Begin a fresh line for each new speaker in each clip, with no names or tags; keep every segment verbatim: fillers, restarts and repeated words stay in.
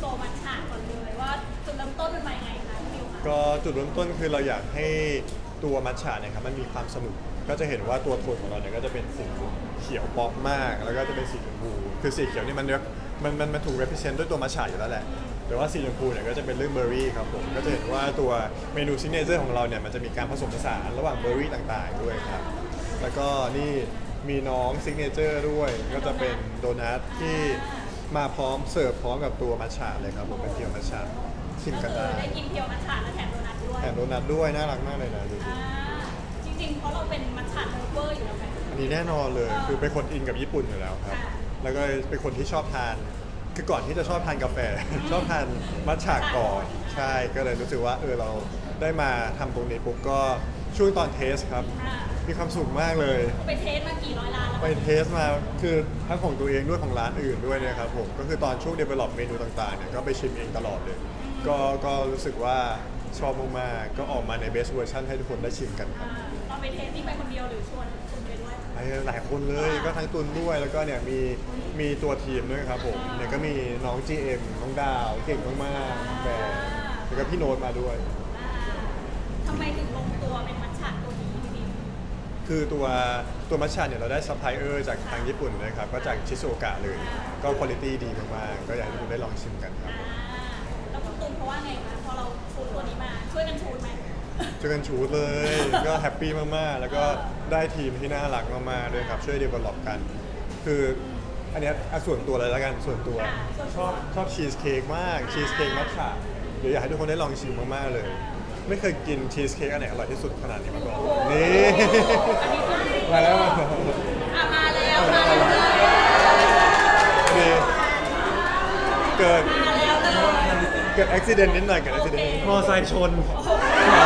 โซมัทฉะก่อนเลยว่าจุดเริ่มต้นเป็นมายังไงคะพี่มิวคะ
ก็จุดเริ่มต้นคือเราอยากให้ตัวมัทฉะเนี่ยครับมันมีความสนุกก็จะเห็นว่าตัวโทนของเราเนี่ยก็จะเป็นสีเขียวป๊อปมาก แล้วก็จะเป็นสีชมพูคือสีเขียวนี่มันมันมันมันถูก represent ด้วยตัวมัทฉะอยู่แล้วแหละแต่ว่าสีชมพูเนี่ยก็จะเป็นเรื่องเบอร์รี่ครับผมก็จะเห็นว่าตัวเมนูซิกเนเจอร์ของเราเนี่ยมันจะมีการผสมผสานระหว่างเบอร์รี่ต่างๆด้วยครับแล้วก็นี่มีน้องซิกเนเจอร์ด้วยก็จะเป็นโดนัทที่มาพร้อมเสิร์ฟพร้อมกับตัวมัทฉะเลยครับผมเป็นเพียวมัทฉะชิม
ก็
กัน
คือ
ได้
ได้กินเพียวมัทฉะและแถมโดนัทด้วย
แถมโดนัทด้วยน่ารักมากเลยนะดูสิ
อ่าจริงๆเพราะเราเป็นมัทฉะเลเวอร์อยู่แล้วไหม
อันนี้แน่นอนเลย
เออ
คือเป็นคนอินกับญี่ปุ่นอยู่แล้วครับ
ค่ะ
แล้วก็เป็นคนที่ชอบทาน คือก่อนที่จะชอบทานกาแฟ ชอบทานมัทฉะก่อนใช่ก็เลยรู้สึกว่าเออเราได้มาทำตรงนี้ปุ๊บก็ช่วงตอนเทสครับ
อ่า
มีความสุขมากเลย
ไปเทสมากี่ร้อยล้านแล้ว
ไปเทสมาคือทั้งของตัวเองด้วยของร้านอื่นด้วยเนะครับผมก็คือตอนช่วง develop เมนูต่างๆเนี่ยก็ไปชิมเองตลอดเลย ก็ก็รู้สึกว่าชอบมากๆก็ออกมาใน best version ให้ทุกคนได้ชิมกันครับ
อ่าตอนไปเทสนี่ไปคนเดียวหรือชวนคนไปด้วย
ไปหลายคนเลยก็ทั้งตุนด้วยแล้วก็เนี่ยมีมีตัวทีมด้วยครับผมเนี่ยก็มีน้อง จี เอ็ม น้องดาวเก่งมากๆแบบแล้วก็พี่โน้ตมาด้วย
อ่าทำไมถึงลงตัวเป็นมัทฉะตัวนี้พี่มิว
คือตัวตัวมัชชาเนี่ยเราได้ซัพพลายเออร์จากทางญี่ปุ่นนะครับก็จากชิโซโอกะเลย ก็คุณภาพดีมากๆก็อยากให้ทุกคนได้ลองชิมกันครับ
อ่าแล้วคุณตูนเขาว่าไงคะพอเราชูตัวนี้มาช่วยกันชูไหม
เจอกันชูดเลย ก็แฮปปี้มากๆ แล้วก็ได้ทีมที่น่ารักมากๆด้วยครับช่วยเดเวลลอปกัน คืออันเนี้ยอ่ะส่วนตัวเลยแล้วกันส่วนตัวชอบชอบชีสเค้กมากชีสเค้กมัทฉะเดี๋ยวอยากให้ทุกคนได้ลองชิมมากๆเลย ไม่เคยกินชีสเค้กอันไหนอร่อยที่สุดขนาดนี้มาก่อนนี่ มาแล้วมาแล้ว
อ่ะมาแล้วมาแล้วเลย
มีเกิด
มาแล้วเลย
เกิดอุบิเหตุนิดหน่อยเกิดอุบิเหตุ
มอไซค์ชน
โอ้โห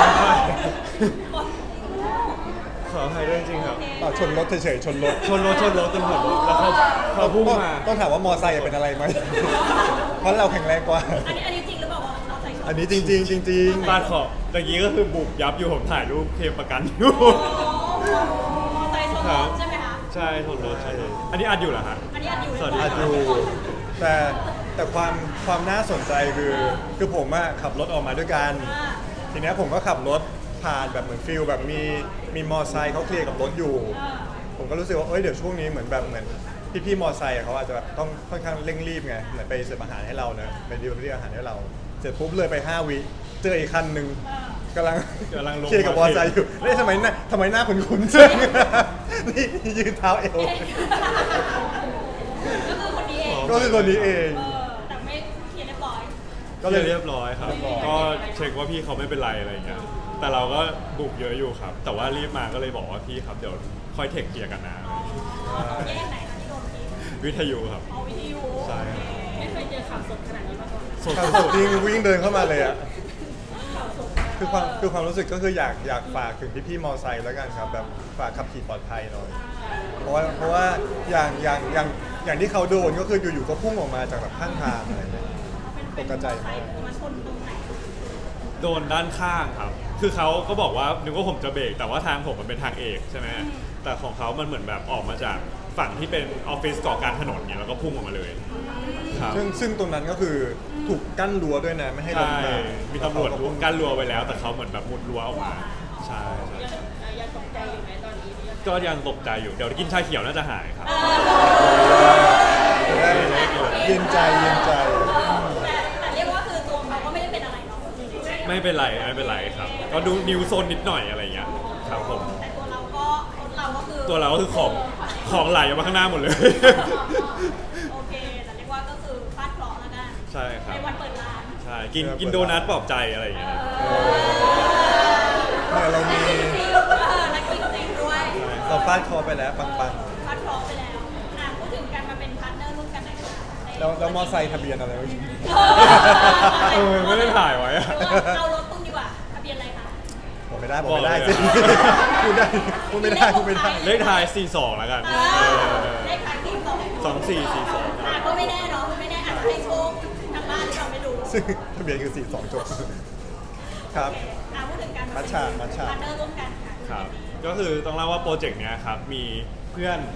ขออภัยด้วยจริงๆครับ
อ่ะชนรถเฉยๆชนรถ
ชนรถชนรถจนผมแล้วเขาเขาพุ่ง
ต้อง
มา
ต้องถามว่ามอไซค์เป็นอะไรไหม เพราะเราแข็งแรงกว่า
อันนี้อันนี้จริงหรือเปล่าว่าเราใส่ชุด
อันนี้จริง ๆ จริง
ฟาดขอบตะกี้ก็คือบุบยับอยู่ผมถ่ายรูปเคลมประกันอยู่
โอ้มอไซค์ชนรถใช่ไหมคะ
ใช่ชนรถชนรถอันนี้อัดอยู่เหรอฮะ
อันนี้อันอยู่
สวัสดี
ๆอาจอยู่แต่แต่ความความน่าสนใจคือคือผมอะขับรถออกมาด้วยกัน
อ่า
ทีเนี้ยผมก็ขับรถผ่านแบบเหมือนฟิลแบบมีมีมอไซค์เขาเคลียร์กับรถอยู่
อ่า
ผมก็รู้สึกว่าเอ้ยเดี๋ยวช่วงนี้เหมือนแบบเหมือนพี่ๆมอไซค์อะเขาอาจจะแบบต้องค่อนข้างเร่งรีบไงเหมือนไปเสิร์ฟอาหารให้เราเนอะไปดีลเรียอาหารให้เรา เสร็จปุ๊บเลยไปห้าวิเจออีกคันหนึ่ง
อ่าก
ำลัง
กำลังลง
เคลียร์กับมอไซค์อยู่เฮ้ยทำไมหน้าทำไมหน้าคุ้นๆจัง นี่ยืนเท้าเอว
ก็คือคนนี้เอง
ก็คือคนนี้เอง
เออแต่ไม่เคลียร์เรียบร้อย
ก็เลยเรียบร้อยครับ
เรียบร้อย
ก็เช็คว่าพี่เขาไม่เป็นไรอะไรอย่างเงี้ย แต่เราก็บุกเยอะอยู่ครับ แต่ว่ารีบมาก็เลยบอกว่าพี่ครับเดี๋ยวค่อยเทคเคลียร์กันนะ
อ๋อตอนแยกไหนคะที่โดนที
วิทยุครับ
เอาวิทยุ
ใช่ครับ
ไม่เคยเจอข่าวสดขนาดนี้มาก่อน
สด
ขับ
ส
ส
ด
ดจริงวิ่งเดินเข้ามาเลยอะ
ข่าวสด
คือความคือความรู้สึกก็คืออยากอยากฝากถึงพี่ๆมอไซค์แล้วกันครับแบบฝากขับขี่ปลอดภัยหน่อย เพราะว่าเพราะว่าอย่างอย่างอย่างอย่างที่เขาโดนก็คืออยู่ๆก็พุ่งออกมาจากแบบข้างทางอะไรอย่างเงี้ย
เป็น
ตกใจมาก
เป็นมาชนตรงไหน
โดนด้านข้างครับ คือเขาก็บอกว่านึกว่าผมจะเบรกแต่ว่าทางผมมันเป็นทางเอกใช่ไหมแต่ของเขามันเหมือนแบบออกมาจากฝั่งที่เป็นออฟฟิศเกาะกลางถนนเนี่ยแล้วก็พุ่งออกมาเลยครับ
ซึ่งซึ่งตรงนั้นก็คือถูกกั้นรั้วด้วยนะไม่ให้รถ
ใช่
มา
มีตำรวจรั้วกั้นรั้วไว้แล้ว แต่เขาเหมือนแบบมุดรั้วออกมาใช่ใช่
ยังตกใจอยู่ไหมตอนนี้
ก็ยังตกใจอยู่เดี๋ยวกินชาเขียวน่าจะหายครับ
จะได้เย็นใจเย็นใจ
แต่แต่เรียกว่าคือตัวเขาก็ไม่ได้เป็นอะไรเนาะ
ไม่เป็นไรไม่เป็นไรครับ ก็ดูนิวโซนนิดหน่อยอะไรอย่างเงี้ยครับผม
แต่ตัวเราก็เราก็คือ
ตัวเราก็คือของของไหลออกมาข้างหน้าหมดเลย
โอเคแต่เรียกว่าก็คือฟาดเคราะห์แล้วกัน
ใช่ครับ
ในวันเปิดร้าน
ใช่กินกินโดนัทปลอบใจอะไรอย่างเงี้ยนะ
เนี่ยเรามี
จริงเออนักกินจริงด้วย
เราฟาดคอไปแล้วปัง
ฟาดเคราะห์ไปแล้วอ่ะพูดถึงการมาเป็นพาร์ทเนอร์ร่วมกันหน่อยค่ะใน
ๆแล้วแล้วมอไซค์ทะเบียนอะไรวะ
เออไม่ได้ถ่ายไว้อะ
เอารถตุ้มดีกว่าทะเบียนอะไรคะ
บอกไม่ได้บอกไม่ได้
บอก
สิ
เลย
พูดได้พูดไม่ได้พูดไม่ได้
เลขท้ายสี่สองแล้วกัน
เออเลขท้ายสี่สอง
สองสี่สี่สอง
อ่ะก็ไม่แน่เนาะไม่แน่อาจจะให้โชคทางบ้านที่เราไม่รู้
ซึ่งทะเบียนคือสี่สองจบครับ
โอเคอ่ะพูดถึงการ
มัชฉะมัชฉะ
พาร์ทเนอร์ร่วมกันค่ะ
ครับ ก็คือต้องเล่าว่าโปรเจกต์เนี้ยครับมีเพื่อน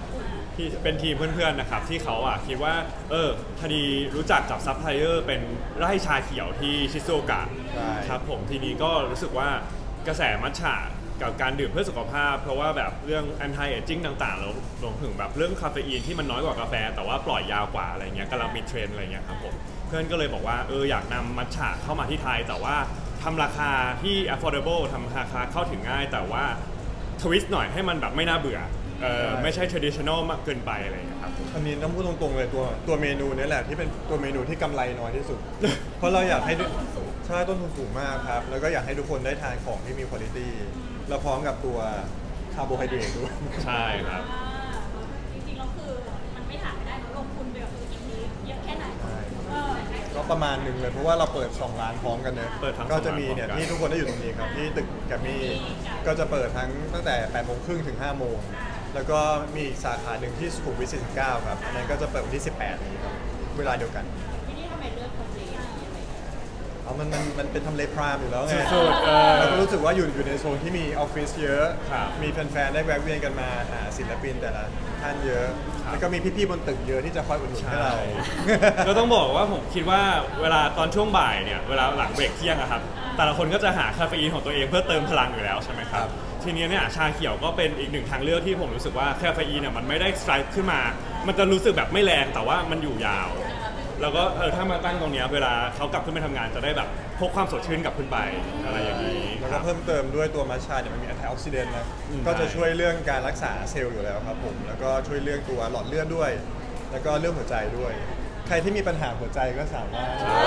ที่เป็นทีมเพื่อนๆนะครับที่เขาอ่ะคิดว่าเออพอดีรู้จักกับซัพพลายเออร์เป็นไร่ชาเขียวที่ชิซูโอกะ
ใช่
ครับผมทีนี้ก็รู้สึกว่ากระแสมัทฉะกับการดื่มเพื่อสุขภาพ เพราะว่าแบบเรื่อง anti aging ต่างๆแล้วรวมถึงแบบเรื่องคาเฟอีนที่มันน้อยกว่ากาแฟ แต่ว่าปล่อยยาวกว่าอะไรเงี้ยกำลังมีเทรนด์อะไรเงี้ยครับผมเพื่อนก็เลยบอกว่าเอออยากนำมัทฉะเข้ามาที่ไทย แต่ว่าทำราคาที่ affordable ทำราคาเข้าถึงง่าย แต่ว่าทวิสต์หน่อยให้มันแบบไม่น่าเบื่อเออไม่ใช่ traditional มากเกินไปอะไรเงี้ยครับ
อันนี้ต้องพูดตรงๆเลยตัวตัวเมนูนี้แหละที่เป็นตัวเมนูที่กำไรน้อยที่สุด เพราะเราอยากให้ทุกใช่ต้นทุนสูงมากครับ แล้วก็อยากให้ทุกคนได้ทานของที่มีคุณภาพแล้วพร้อมกับตัวคาร์โบไฮเดรตด้วย
ใช่ครับ
อ่าจริงๆแล้วคือมันไม่ถามไม่ได้เนอะลงทุนไปกับธุรกิจนี้เยอะแค่ไหน
ใช่
เออ
ก็ประมาณหนึ่งเลยเพราะว่าเราเปิดสองร้านพร้อมกันเนอะ
เปิดทั้ง
ก็จะมี
สองร้าน
เนี่ย
พร้อมกัน
ที่ทุกคนได้อยู่ตรงนี้ครับที่ตึกแกรมมี่ก็จะเปิดทั้งตั้งแต่แปดโมงครึ่งถึงห้าโมงแล้วก็มีอีกสาขาหนึ่งที่สุขุมวิทสี่สิบเก้าครับอันนั้นก็จะเปิดวันที่สิบแปดนี้ครับเวลาเดียวกัน
ที่นี่ทำไมเลือกทำเลนี้อะไรอย่างเงี้ย
เอามันมันมันเป็นทำเลพรามอยู่แล้วไง
สุดๆเออ
แล้วก็รู้สึกว่าอยู่อยู่ในโซนที่มีออฟฟิศเยอะ
ครับ
มีแฟนๆได้แวะเวียนกันมาหาศิลปินแต่ละท่านเยอะ
ครับ
แล้วก็มีพี่ๆบนตึกเยอะที่จะคอยอุดหนุนให้เรา
ก็ต้องบอกว่าผมคิดว่าเวลาตอนช่วงบ่ายเนี่ยเวลาหลังเบรกเที่ยงอะครับแต่ละคนก็จะหาคาเฟอีนของตัวเองเพื่อเติมพลังอยู่แล้วใช่ไหมครับทีนี้เนี่ยชาเขียวก็เป็นอีกหนึ่งทางเลือกที่ผมรู้สึกว่าคาเฟอีนเนี่ยมันไม่ได้สไตรค์ขึ้นมา มันจะรู้สึกแบบไม่แรงแต่ว่ามันอยู่ยาว แล้วก็เออถ้ามาตั้งตรงเนี้ยเวลาเขากลับขึ้นไปทำงานจะได้แบบพกความสดชื่นกลับขึ้นไปอะไรอย่างนี้
แล้ว
ค
ก็
รับ
เพิ่มเติมด้วยตัวมัชชาเนี่ยมันมีแอนตี้ออกซิเดนต์นะ
อืม
ก็จะ
ใช่
ช่วยเรื่องการรักษาเซลล์อยู่แล้วครับผม แล้วก็ช่วยเรื่องตัวหลอดเลือดด้วย แล้วก็เรื่องหัวใจด้วย ใครที่มีปัญหาหัวใจก็สามารถ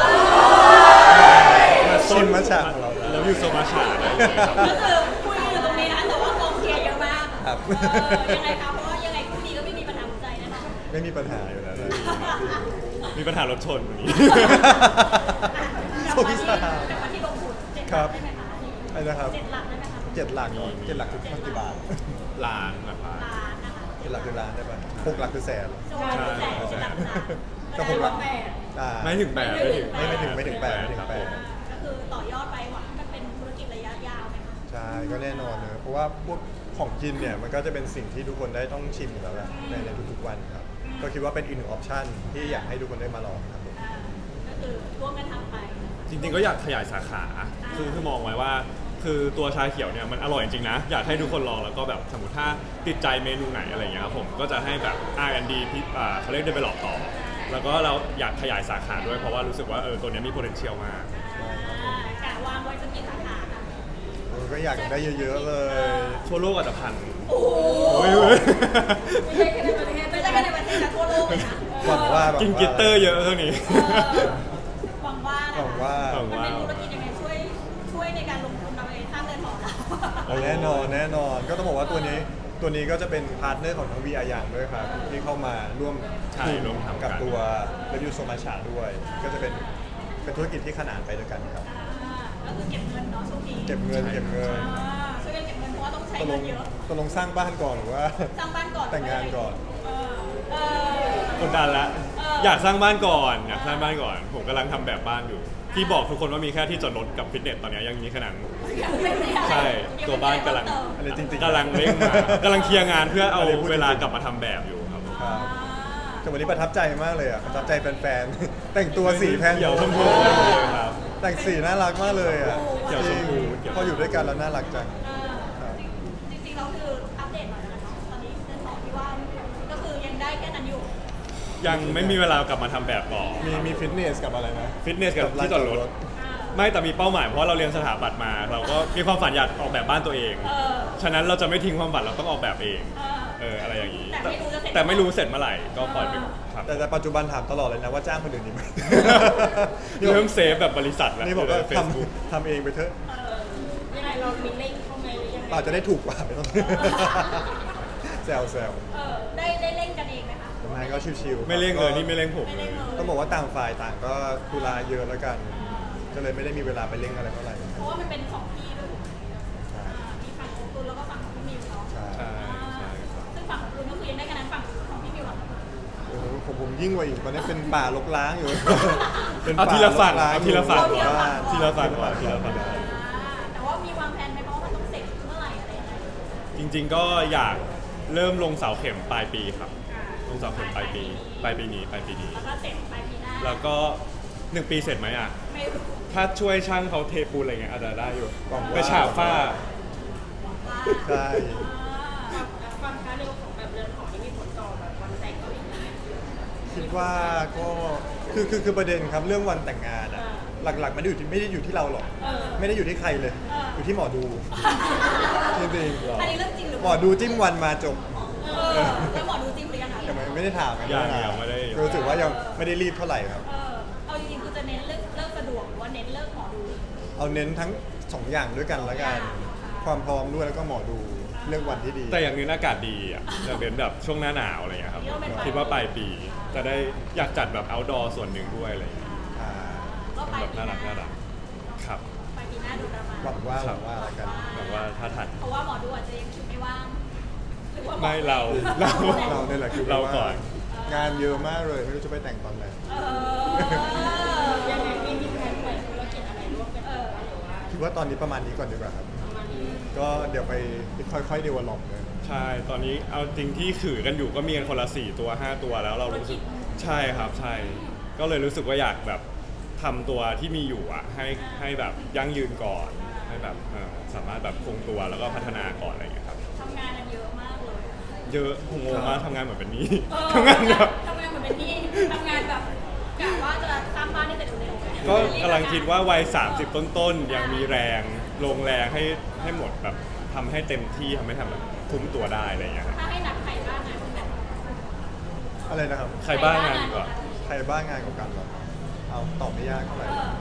มาชิมมัชชาของเราได้
แล้วอยู่โซมาชาได้เลยครับ
ก็คือคุยอยู่ตรงนี้นะแต่ว่ากองเชียร์เยอะมาก
ครับ
เออยังไงคะเพราะว่ายังไงคู่นี้ก็ไม่มีปัญหาหัวใจแน่นอน
ไม่มีปัญหาอยู่แล้วนะ
มีปัญหารถชนวันนี้
กลับมาที่กลับมาที่ลงทุนเจ็ดห
ครั
ลั
บ
กได้ไหมคะ
อะไรนะครับ
เจ็ดหลักได้ไหมคะ
เจ็ดหลักเหรอเจ็ดหลักคือกี่บาท
ล้านแบบว่า
ล้านนะคะ
เจ็ดหลักคือล้านได้ปะหกหลักคือแสน
โซนแสนเจ็ดหลักนะ
ก็หกหลัก
แปด
อ่า
ไม่ถึงแปด
ไม่ไม่ถึงไม่ถึงแปดไม่ถึงแปด
ก็คือต่อยอดไปหวังให้มันเป็นธุรกิจระยะยาวไหมคะ
ใช่ก็แน่นอนเลยเพราะว่าพวกของกินเนี่ยมันก็จะเป็นสิ่งที่ทุกคนได้ต้องชิมอยู่แล้วแหละในในทุกๆวันครับก็คิดว่าเป็นอีกหนึ่งออปชั่นที่อยากให้ทุกคนได้มาลองครับผม
อ่าก็คือร่วมกันทำไป
จริงๆก็อยากขยายสาขา คือคือมองไว้ว่า คือตัวชาเขียวเนี่ยมันอร่อยจริงๆนะ อยากให้ทุกคนลองแล้วก็แบบสมมติถ้าติดใจเมนูไหนอะไรอย่างเงี้ยครับผม ก็จะให้แบบ อาร์ แอนด์ ดี พิอ่าเขาเรียก develop ต่อ แล้วก็เราอยากขยายสาขาด้วยเพราะว่ารู้สึกว่าเออตัวเนี้ยมี potential มาก
อ่ากะวางไว้สักกี่สาขาคะ
เออก็อยากได้เยอะๆเลย
ทั่วโลกอาจจะพัน
โอ้โห
โอ้ยเว้ย
ไม่ใช่แค่ในประเทศไม่ใช่แค่ในประเทศแต่ทั่วโลกเลยนะ
หวังว่าหวังว่า
กินกลิตเตอร์เยอะเท่านี้
เออหวังว่านะ
หวังว่า
หวัง
มัน
ว่า
เป็นธุรกิจยังไงช่วยช่วยในการลงทุนเราเองสร้างเงินหอเรา
แน่นอนแน่นอนก็ต้องบอกว่าตัวนี้ตัวนี้ก็จะเป็นพาร์ทเนอร์ของทั้ง วี อาร์ อย่างด้วยครับที่เข้ามาร่วม
ใช่
ทุน
ร่วมทำกัน
กับตัว Review s o m a c h a ด้วย ก็จะเป็นเป็นธุรกิจที่ขนานไปด้วยกันครับ
อ่าก็คือเก็บเงินเนาะช่วงนี้
เก็บเงินเก็บเงิน
อ่าช่วยกันเก็บเงินเพราะว่าต้องใช้
ตกล
เงิ
ง
นเยอะ
ตกลงสร้างบ้านก่อนหรือว่า
สร้างบ้านก่อน
แต่งงานก่อน
เออเออก
ดดันละ
เออ
อ
อ
ยากสร้างบ้านก่อนอยากสร้างบ้านก่อน ผมกำลังทำแบบบ้านอยู่ ที่บอกทุกคนว่ามีแค่ที่จอดรถกับฟิตเนสตอนเนี้ยยังมีแค่นั้น
ยังไม่ได้
ใช่ตัวบ้านกำลัง
อะไรจริงๆ
กำลังเร่งมากำลังเคลียร์งานเพื่อเอา
อันนี้พูดจริงๆ
เวลากลับมาทำแบบอยู่ครับ
ครับแต่วันนี้ประทับใจมากเลยอ่ะประทับใจแฟนๆ แต่งตัวสีแพน
เขียวชมพูครับ
แต่งสีน่ารักมากเลยอ่ะ
เขียวชมพู
จริงพออยู่ด้วยกันแล้วน่ารักจัง
เออจริงๆเราคืออัปเดตหน่อยนะคะตอนนี้เรื่องของที่ว่าก็คือยังได้แค่นั้นอยู่
ยังไม่มีเวลากลับมาทำแบบต่อ
มีมีฟิตเนสกับอะไรนะ
ฟิตเนสกับที่จอดรถ ไม่แต่มีเป้าหมายเพราะว่าเราเรียนสถาปัตย์มา เราก็มีความฝันอยากออกแบบบ้านตัวเอง
เออ
ฉะนั้นเราจะไม่ทิ้งความฝันเราต้องออกแบบเอง
เออ
เอออะไรอย่างนี้
แต่ไม่รู้จะเสร็จ
แต่ไม่รู้เสร็จเมื่อไหร่ก็ปล่อยไปครับ
แต่แต่ปัจจุบันถามตลอดเลยนะว่าจ้างคนอื่นดีไหม
เริ่มเซฟแบบบริษัทแล้ว
นี่บอกว่า
เฟซบุ๊ก
ทำทำเองไปเถอะ
เออยังไงเรามีเล่งเข้าไหมหรือยังไง
อาจจะได้ถูกกว่าไม่ต้อง แซวแซว
เออได้ได้เล่นกันเองไหมคะ
ทำงานก็ชิวๆ
ไม่เร่งเลยนี่ไม่เร่งผม
ไม่
เล
เล่
ย
นเลย
ต้องบอกว่าต่างฝ่ายต่างก็ธุระเยอะแล้วกัน ก็เลยไม่ได้มีเวลาไปเร่งอะไรเท่าไหร่
เพราะว่ามันเป็นสองที่ด้วยถูกไหม
ใช่
อ่ามีฝั่งของคุณแล้วก็ฝั่งของพี่มิวเนาะ
ใช่
ใช่ใช่ครับ
ซึ่งฝั่งของคุณก็คือยังได้คะแนนฝั่งของพี่มิวอะ
โอ้โหผมผมยิ่งกว่าอีกตอนนี้เป็นป่ารกร้างอยู่ เป็น
เอา
ป่า
ทีละฝั่ง
รกร้าง
เอาทีละฝั่ง
อยู่บ้าน
ทีละฝั่งก่อนทีละฝั่ง
อ่าแต่ว่ามีวางแผนไหมเพราะว่ามันต้องเสร็จเมื่อไหร่อะไรยังไง
จริงๆก็อยากเริ่มลงเสาเข็มปลายปีครับ
อ่า
ลงสอบผลปลายปีปลายปีนี้ปลายปีนี้
แล้วก็เสร็จปลายปีหน้า
แล้วก็หนึ่งปีเสร็จไหมอ่ะ
ไม่รู้
ถ้าช่วยช่างเขาเทปูนอะไรเงี้ยอาจจะได้อยู่
หวังว่า
ไปฉาบฝ้า
ว่า
ใช่
อ่า
ความช้าเร็วของแบบเรือนหอนี่มีผลต่อแบบวันแต่งเขาอีกไหม
คิดว่าก็คือคือคือประเด็นครับเรื่องวันแต่งงานอะหลักๆมันไม่ได้อยู่ที่ไม่ได้อยู่ที่เราหรอก
เออ
ไม่ได้อยู่ที่ใครเลย อยู่ที่หมอดูจริง
อันนี้เรื่องจริงหรือ
ๆหมอดูจิ้มวันมาจบ
เออแล้วหมอดูจริงหรือยังคะ
ยังไม่ไม่ได้ถามกัน
ยัง
ถา
ยังไม่ได้
รู้สึกว่ายังไม่ได้รีบเท่าไหร่ครับ
เออเอาจริงๆคือจะเน้นเลิกเลิกสะดวกหรือว่าเน้นเลิกหมอดู
เอาเน้นทั้งสองอย่างด้วยกันละกัน ความพร้อมด้วยแล้วก็หมอดูเรื่องวันที่ดี
แต่อย่างนี้อากาศดีอ่ะจะเป็นแบบช่วงหน้าหนาวอะไรเงี้ยครับคิดว่าปลายปีจะได้อยากจัดแบบ outdoor ส่วนหนึ่งด้วยอะไรเงี้ย
อ่า
ก็ปลาย
แบบ
ปี
น่า
ห
รักน่า
น้า
รักครับ
ปลายปีหน้าดูประมาณ
หวังว่าหวังว่าละกัน
หวังว่าถ้าทัน
เพราะว่าหมอดูอาจจะยังคิวไม่ว่างหรือว่าหอ
ไม่เราเรา
เราเนี่ยแหละคือ
เราก่อน
งานเยอะมากเลยไม่รู้จะไปแต่งตอนไหน
เออ
ยังไงมีมีแผนเปิดธุรกิจอะไรร่วมกัน
เออ
หรือว่า
คิดว่าตอนนี้ประมาณนี้ก่อนดีกว่าครับ
ประมาณนี้
ก็เดี๋ยวไปค่อยๆเดเวลลอปเลย
ใช่ ตอนนี้เอาจริงที่ขือกันอยู่ก็มีกันคนละสี่ตัวห้าตัวแล้วเรารู้สึกใช่ครับใช่ ก็เลยรู้สึกว่าอยากแบบทำตัวที่มีอยู่อ่ะให้ให้แบบยั่งยืนก่อนให้แบบเอ่อสามารถแบบคงตัวแล้วก็พัฒนาก่อนอะไรอย่างเงี้ยครับ
ทำงานกันเยอะมากเลย
เยอะผมงงมากทำงานเหมือนเป็นหนี้
เออ
ทำงานแบบ
ทำงานเหมือนเป็นหนี่ทำงานแบบกะว่าจะสร้างบ้านให้เสร็จเร็วๆ
ก็กำลังคิดว่าวัยสามสิบต้นๆยังมีแรงลงแรงให้ให้หมดแบบทำให้เต็มที่ทำให้ทำแบบคุ้มตัวได้อะไรอย่างเงี้ยครับ
ถ้าให้นับใครบ้างงานแบบ
อะไรนะครับ
ใครบ้างงานดีกว่า
ใครบ้างงานกับกันเหรอเอาตอบไม่ยากเท่าไหร่
เออ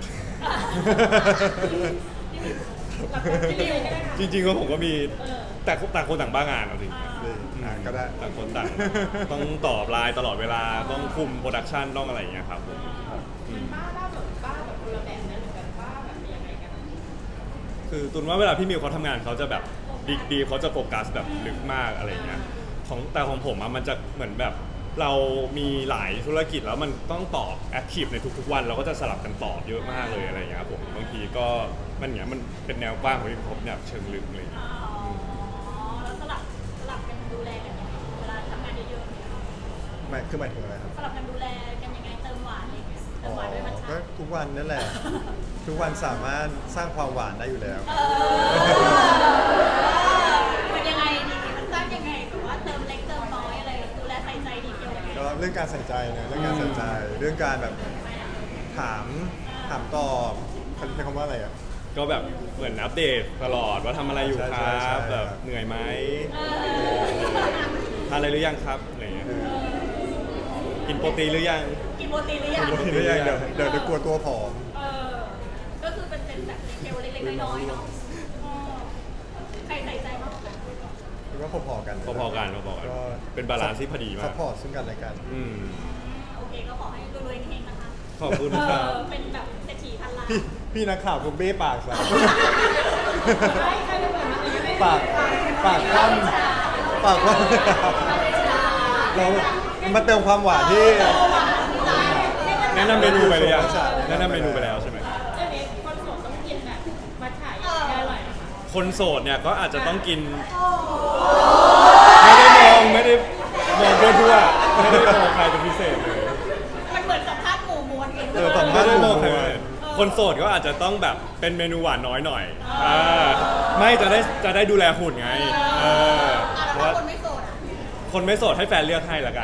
พี่ลิวก็ได้ค่ะ
จริงๆก็ผมก็มีแต่ต่างคนต่างบ้างานเอาจริง
ดีอ่ะก็ได้
ต่างคนต่างต้องตอบไลน์ตลอดเวลาต้องคุมโปรดักชันต้องอะไรอย่างเงี้ยครับผมอืม
ป้าบ้าแบบป้าแบบคนละแบบนะหรือแบบป้าแบบยังไงกัน
คือตุนว่าเวลาพี่มิวเขาทำงานเขาจะแบบดีดีเขาจะโฟกัสแบบลึกมากอะไรอย่างเงี้ยของแต่ของผมอะมันจะเหมือนแบบเรามีหลายธุรกิจแล้วมันต้องตอบแอคทีฟในทุกๆวันเราก็จะสลับกันตอบเยอะมากเลยอะไรอย่างเงี้ยครับผมบางทีก็มันเนี้ยมันเป็นแนวกว้างของที่ผมแบบเชิงลึกอะไรอย่างเลย
อ๋อแล้วสลับสลับกันดูแลกันยังไงเวลาทำงานเยอะๆเนี่ย
หมายคือหมายถึงอะไรครับ
สลับกันดูแลกันยังไงเติมหวานอะไรอย่างเงี้ยเติ
อ๋
ม
อ
หวานด้วยมัท
ก็
ฉะ
ทุกวันนั่นแหละ ทุกวันสามารถสร้างความหวานได้อยู่แล้ว
เออมันยังไงดีมันสร้างยังไงแบบว่าเติมเล็กเติมน้อยอะไรดูแลใส่ใจดีเทลยังไง
ก็เรื่องการใส่ใจนะเรื่องการใส่ใจ เรื่องการแบบถามถามตอบเขาใช้คำว่าอะไรอ่ะ
ก็แบบเหมือนอัปเดตตลอดว่าทำอะไรอยู่ค
ใช่
รั
ใช่
บ
ใช่
แบบเหนื่อยไหม
เออ
ทานอะไรหรือยังครับอะไรอย่างเงี้ย
เออ
กินโปรตีนหรือยัง
กินโปรตีนหรือยัง
กินโปรตีน
เดี๋ยวเดี๋ยวเดี๋ยวเดี๋ยวกลัวตัวผอม
เออก็คือเป็นเป็นแบบดีเทลเล็กๆน้อยๆเนาะเออใครใส่ใจมากกว่ากัน
คิดว่าพอๆกัน
พอๆกันพอๆกันเป็นบาลานซ์ที่พอดีมาก
ซัพพอร์ตซึ่งกันและกัน
อืม
โอเคก็ขอให้รวยๆเฮงๆนะคะ
ขอบคุณ
เอ
ครับ
อเป็นแบบเศรษฐีพันล้าน
พี่พี่นักข่าวผมเบ้ปากใส่
ใช่ใครจะเปิดมาเลยไม่
ปากปากคว่ำปากคว่ำเรามาเติมความหวานที่
แนะนำเมนูไปเลยยังแนะนำเมนูไปแล้วใช่ไหม
เรื่องนี้คนโสดต้องกินแบบมัทฉะอย่างเงี้ยอร่อยนะคะ
คนโสดเนี่ยก็อาจจะต้องกิน ไม่ได้มองไม่ได้มองทั่วๆไม่ได้มองใครเป็นพิเศษเลย
มันเหมือนสัมภาษณ์หมู่มวลกัน
เออสัมภา
ไม่
ษณ์
ได้มองใครเป็นพิเศษคนโสดก็อาจจะต้องแบบเป็นเมนูหวานน้อยหน่อยอ่าไม่จะได้จะได้ดูแลหุ่นไงเออ
อ่ะ
เพ
แล้ว
ราะ
ถ้า
ว่า
คนไม่โสดอ่ะ
คนไม่โสดให้แฟนเลือกให้ละกัน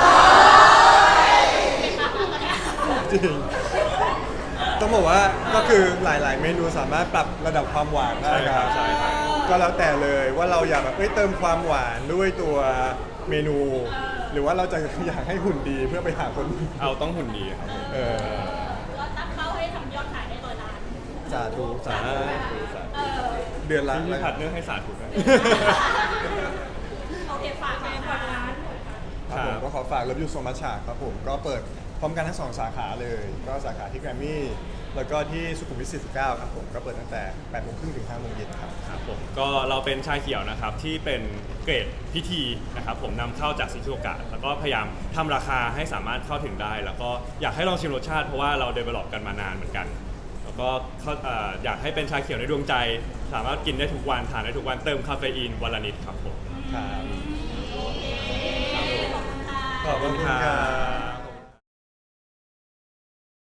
เป็นปากแล้วกันเนี่ย
จริง ต้องบอกว่าก็คือหลาย ๆ เมนูสามารถปรับระดับความหวานได้
ใช่ครับ
บ
ใช่ครับ
ก็แล้วแต่เลยว่าเราอยากแบบเอ้ยเติมความหวานด้วยตัวเมนู หรือว่าเราจะอยากให้หุ่นดีเพื่อไปหาคน
เอาต้องหุ่นดีครับ
เออ
ก็ตั้งเป้าให้ทำยอดขายได้ร้อยล้าน
สาธุสา
อ่า
ธุ
เออ
เดือนละ
พี่ผัดเนื้อให้สาธุนะ
โอเคฝากฝากฝากร้าน
ครับผมก็ขอฝาก Love You So Much ครับผมก็เปิดพร้อมกันทั้งสองสาขาเลย ก็สาขาที่แกรมมี่แล้วก็ที่สุขุมวิทสี่สิบเก้าครับผมก็เปิดตั้งแต่แปดโมงครึ่งถึงห้าโมงเย็นครับ
ครับผมก็เราเป็นชาเขียวนะครับที่เป็นเกรดพิธีนะครับผมนำเข้าจากซิชูโอกะแล้วก็พยายามทำราคาให้สามารถเข้าถึงได้ แล้วก็อยากให้ลองชิมรสชาติเพราะว่าเราเดเวล็อปกันมานานเหมือนกัน แล้วก็เข้าเอ่ออยากให้เป็นชาเขียวในดวงใจ สามารถกินได้ทุกวันทานได้ทุกวันเติมคาเฟอีนวันละนิดครับผม
ครับ
โอเคขอบคุณค่ะ
ขอบคุณครับ